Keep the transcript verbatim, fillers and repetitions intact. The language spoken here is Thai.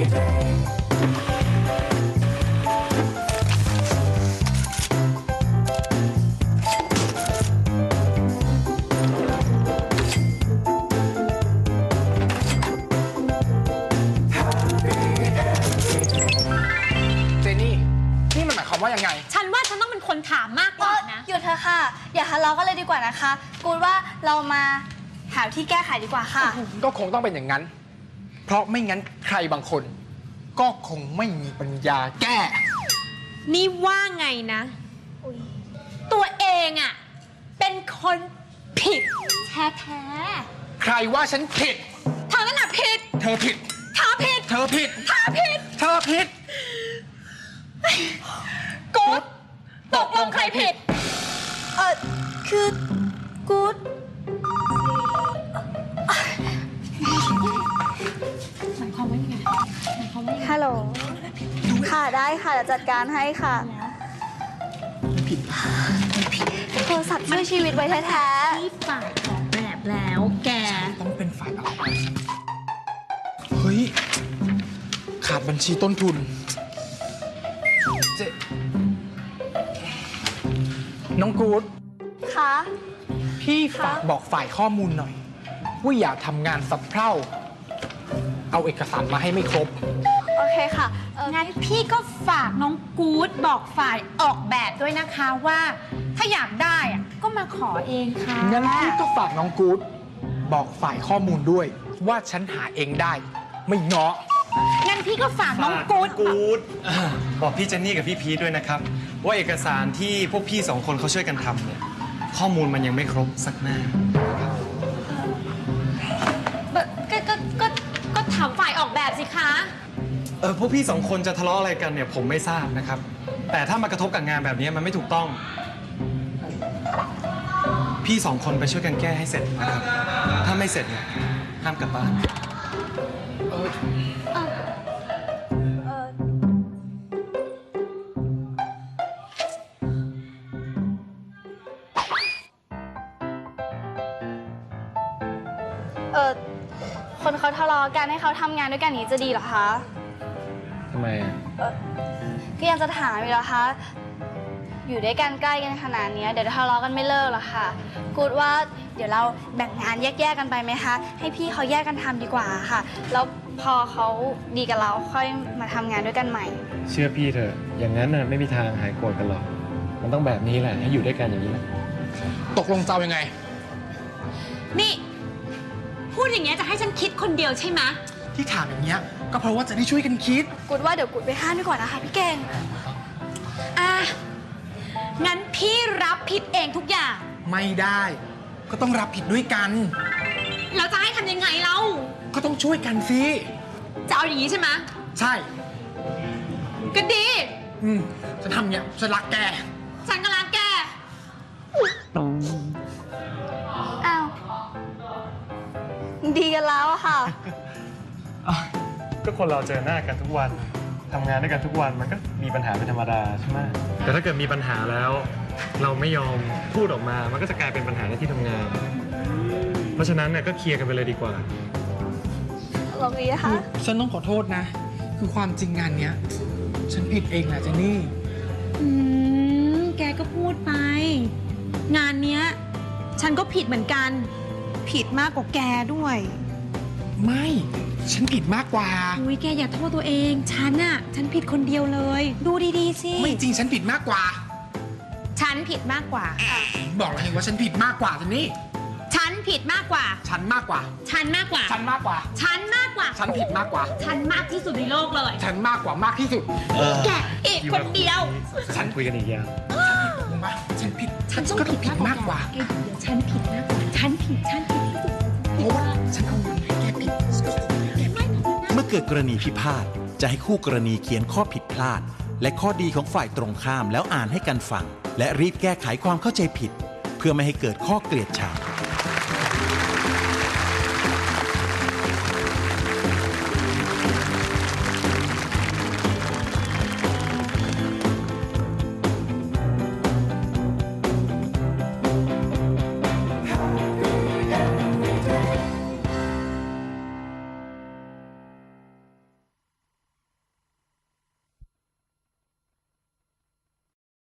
ว่ายังไงฉันว่าฉันต้องเป็นคนถามมากกว่านะหยุดเถอะค่ะอย่าทะเลาะกันเลยดีกว่านะคะกูว่าเรามาหาที่แก้ไขดีกว่าค่ะก็คงต้องเป็นอย่างนั้นเพราะไม่งั้นใครบางคนก็คงไม่มีปัญญาแก้นี่ว่าไงนะตัวเองอ่ะเป็นคนผิดแท้แท้ใครว่าฉันผิดเธอนั่นแหละผิดเธอผิดเธอผิดเธอผิดเธอผิดเธอผิดกู๊ดตกลงใครผิดเออคือกู๊ดหมายความว่าไงหมายความว่าฮัลโหลค่ะได้ค่ะจะจัดการให้ค่ะผิดผิดโทรศัพท์ช่วยชีวิตไว้แท้ๆที่ฝ่ายออกแบบแล้วแกต้องเป็นฝ่ายออกเฮ้ยขาดบัญชีต้นทุนเจ๊น้องกู๊ดคะพี่ฝากบอกฝ่ายข้อมูลหน่อยว่าอย่าทำงานสับเพร่าเอาเอกสารมาให้ไม่ครบโอเคค่ะงั้นพี่ก็ฝากน้องกู๊ดบอกฝ่ายออกแบบด้วยนะคะว่าถ้าอยากได้อะก็มาขอเองค่ะงั้นพี่ก็ฝากน้องกู๊ดบอกฝ่ายข้อมูลด้วยว่าฉันหาเองได้ไม่เงาะงั้นพี่ก็ฝากน้องกู๊ดกู๊ดบอกพี่เจนนี่กับพี่พีทด้วยนะครับว่าเอกสารที่พวกพี่สองคนเขาช่วยกันทำเนี่ยข้อมูลมันยังไม่ครบสักหน้าก็ก็ก็ก็ถามฝ่ายออกแบบสิคะเออพวกพี่สองคนจะทะเลาะอะไรกันเนี่ยผมไม่ทราบนะครับแต่ถ้ามากระทบกับงานแบบนี้มันไม่ถูกต้องพี่สองคนไปช่วยกันแก้ให้เสร็จนะครับถ้าไม่เสร็จเนี่ยห้ามกลับบ้านเออเออเออคนเขาทะเลาะกันให้เขาทำงานด้วยกันนี้จะดีเหรอคะทำไมอ่ะก็ยังจะถามอยู่เหรอคะอยู่ด้วยกันใกล้กันขนาดนี้เดี๋ยวทะเลาะกันไม่เลิกหรอกค่ะกูดว่าเดี๋ยวเราแบ่งงานแยกๆกันไปไหมคะให้พี่เขาแยกกันทำดีกว่าค่ะแล้วพอเขาดีกับเราค่อยมาทำงานด้วยกันใหม่เชื่อพี่เถอะอย่างนั้นน่ะไม่มีทางหายโกรธกันหรอกมันต้องแบบนี้แหละให้อยู่ด้วยกันอย่างนี้แหละตกลงจะยังไงนี่พูดอย่างเงี้ยจะให้ฉันคิดคนเดียวใช่ไหมที่ถามอย่างเงี้ยก็เพราะว่าจะได้ช่วยกันคิดกูดว่าเดี๋ยวกูดไปห้ามดีกว่านะคะพี่เก่งอ่ะงั้นพี่รับผิดเองทุกอย่างไม่ได้ก็ต้องรับผิดด้วยกันเราจะให้ทำยังไงเราก็ต้องช่วยกันสิจะเอาอย่างนี้ใช่ไหมใช่ก็ดีอืมฉันทำเนี้ยฉันรักแกฉันก็รักแกอ้าวดีกันแล้วค่ะก็คนเราเจอหน้ากันทุกวันทำงานด้วยกันทุกวันมันก็มีปัญหาเป็นธรรมดาใช่ไหมแต่ถ้าเกิดมีปัญหาแล้วเราไม่ยอมพูดออกมามันก็จะกลายเป็นปัญหาในที่ทำงานเพราะฉะนั้นเนี่ยก็เคลียร์กันไปเลยดีกว่าลองดีค่ะฉันต้องขอโทษนะคือความจริงงานเนี้ยฉันผิดเองแหละเจนนี่อืมแกก็พูดไปงานเนี้ยฉันก็ผิดเหมือนกันผิดมากกว่าแกด้วยไม่ฉันผิดมากกว่าอุ้ยแกอย่าโทษตัวเองฉันอะฉันผิดคนเดียวเลยดูดีๆสิไม่จริงฉันผิดมากกว่าฉันผิดมากกว่าบอกแล้วไงว่าฉันผิดมากกว่าเจนนี่ฉันผิดมากกว่าฉันมากกว่าฉันมากกว่าฉันมากกว่าฉันมากกว่าฉันผิดมากกว่าฉันมากที่สุดในโลกเลยฉันมากกว่ามากที่สุดแกอีกคนเดียวฉันคุยกันอีกอย่างฉันผิดฉันต้องผิดมากกว่าเดี๋ยวฉันผิดมากกว่าฉันผิดฉันผิดที่สุดเพราะว่าฉันเอาเงินให้แกผิดเมื่อเกิดกรณีพิพาทจะให้คู่กรณีเขียนข้อผิดพลาดและข้อดีของฝ่ายตรงข้ามแล้วอ่านให้กันฟังและรีบแก้ไขความเข้าใจผิดเพื่อไม่ให้เกิดข้อเกลียดชัง